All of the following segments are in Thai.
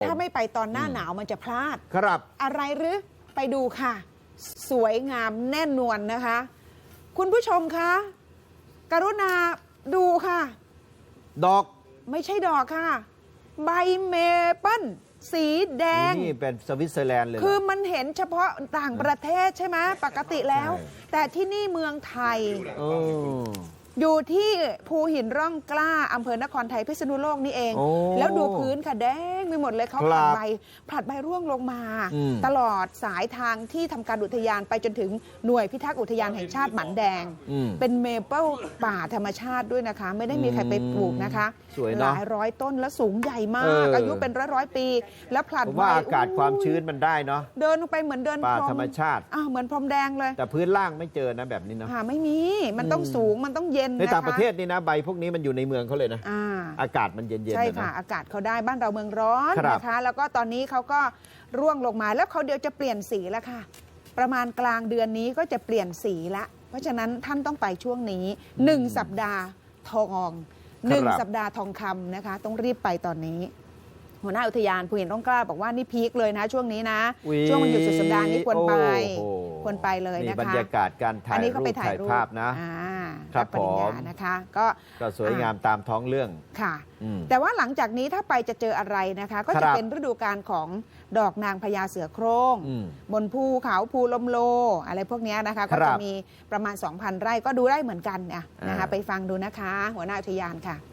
ถ้าไม่ไปตอนหน้าหนาวมันจะพลาดครับอะไรหรือไปดูค่ะ สวยงามแน่นวนนะคะ คุณผู้ชมคะกรุณาดูค่ะดอกไม่ใช่ดอกค่ะ ใบเมเปิ้ลสีแดงนี่เป็นสวิตเซอร์แลนด์เลยคือมันเห็นเฉพาะต่างประเทศใช่ไหมปกติแล้ว แต่ที่นี่เมืองไทยอยู่ที่ภูหินร่องกล้าอำเภอนครไทยพิษณุโลกนี่เอง แล้วดูพื้นค่ะแดงไปหมดเลยเขาผลัดใบร่วงลงมา ตลอดสายทางที่ทำการอุทยานไปจนถึงหน่วยพิทักษ์อุทยานแห่งชาติหมันแดงเป็นเมเปิลป่าธรรมชาติด้วยนะคะไม่ได้มีใครไปปลูกนะคะหลายร้อยต้นแล้วสูงใหญ่มากอายุเป็นร้อยปีแล้วผลัดใบว่าอากาศความชื้นมันได้เนาะเดินลงไปเหมือนเดินป่าธรรมชาติเหมือนพรมแดงเลยแต่พื้นล่างไม่เจอนะแบบนี้เนาะไม่มีมันต้องสูงมันต้องเย็นในต่างประเทศนี่นะใบพวกนี้มันอยู่ในเมืองเขาเลยนะอากาศมันเย็นๆใช่ค่ะอากาศเขาได้บ้านเราเมืองร้อนนะคะแล้วก็ตอนนี้เขาก็ร่วงลงมาแล้วเขาเดี๋ยวจะเปลี่ยนสีแล้วค่ะประมาณกลางเดือนนี้ก็จะเปลี่ยนสีละเพราะฉะนั้นท่านต้องไปช่วงนี้1 สัปดาห์ทอง1 สัปดาห์ทองคำนะคะต้องรีบไปตอนนี้หัวหน้าอุทยานภูหินร่องกล้าบอกว่านี่พีคเลยนะช่วงนี้นะช่วงวันหยุดสุดสัปดาห์นี้ควรไปเลยนะคะบรรยากาศการถ่ายรูปถ่ายภาพนะครับปริญญานะคะก็สวยงามตามท้องเรื่องค่ะแต่ว่าหลังจากนี้ถ้าไปจะเจออะไรนะคะก็จะเป็นฤดูกาลของดอกนางพญาเสือโคร่งบนภูเขาภูลมโลอะไรพวกนี้นะคะก็จะมีประมาณ 2,000 ไร่ก็ดูได้เหมือนกันนะคะไปฟังดูนะคะหัวหน้าอุทยานค่ะ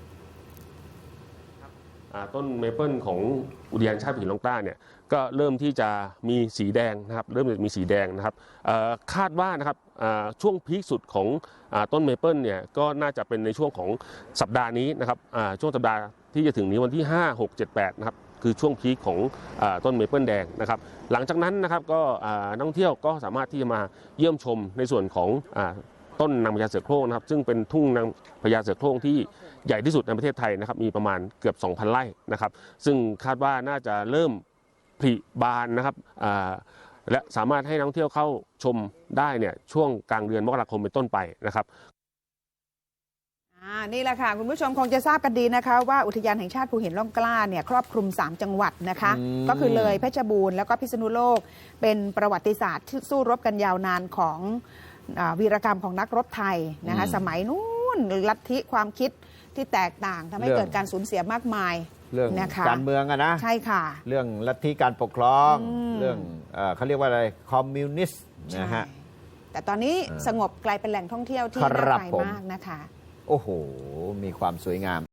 ต้นเมเปิลของอุทยานชาติภูหินร่องกล้าเนี่ยก็เริ่มที่จะมีสีแดงนะครับเริ่มจะมีสีแดงนะครับคาดว่านะครับช่วงพีคสุดของต้นเมเปิลเนี่ยก็น่าจะเป็นในช่วงของสัปดาห์นี้นะครับช่วงสัปดาห์ที่จะถึงนี้วันที่5 6 7 8นะครับคือช่วงพีคของต้นเมเปิลแดงนะครับหลังจากนั้นนะครับก็นักท่องเที่ยวก็สามารถที่จะมาเยี่ยมชมในส่วนของต้นนางพญาเสือโคร่งนะครับซึ่งเป็นทุ่งนางพญาเสือโคร่งที่ใหญ่ที่สุดในประเทศไทยนะครับมีประมาณเกือบ 2,000 ไร่นะครับซึ่งคาดว่าน่าจะเริ่มผลิบานนะครับและสามารถให้นักท่องเที่ยวเข้าชมได้เนี่ยช่วงกลางเดือนมกราคมเป็นต้นไปนะครับนี่แหละค่ะคุณผู้ชมคงจะทราบกันดีนะคะว่าอุทยานแห่งชาติภูหินร่องกล้าเนี่ยครอบคลุม3 จังหวัดนะคะก็คือเลยเพชรบูรณ์แล้วก็พิษณุโลกเป็นประวัติศาสตร์ที่สู้รบกันยาวนานของวีรกรรมของนักรบไทยนะคะสมัยนู้นลัทธิความคิดที่แตกต่างทำให้เกิดการสูญเสียมากมายเรื่องการเมืองนะใช่ค่ะเรื่องลัทธิการปกครองเรื่องเขาเรียกว่าอะไรคอมมิวนิสต์นะฮะแต่ตอนนี้สงบกลายเป็นแหล่งท่องเที่ยวที่น่าไปมากนะคะโอ้โหมีความสวยงาม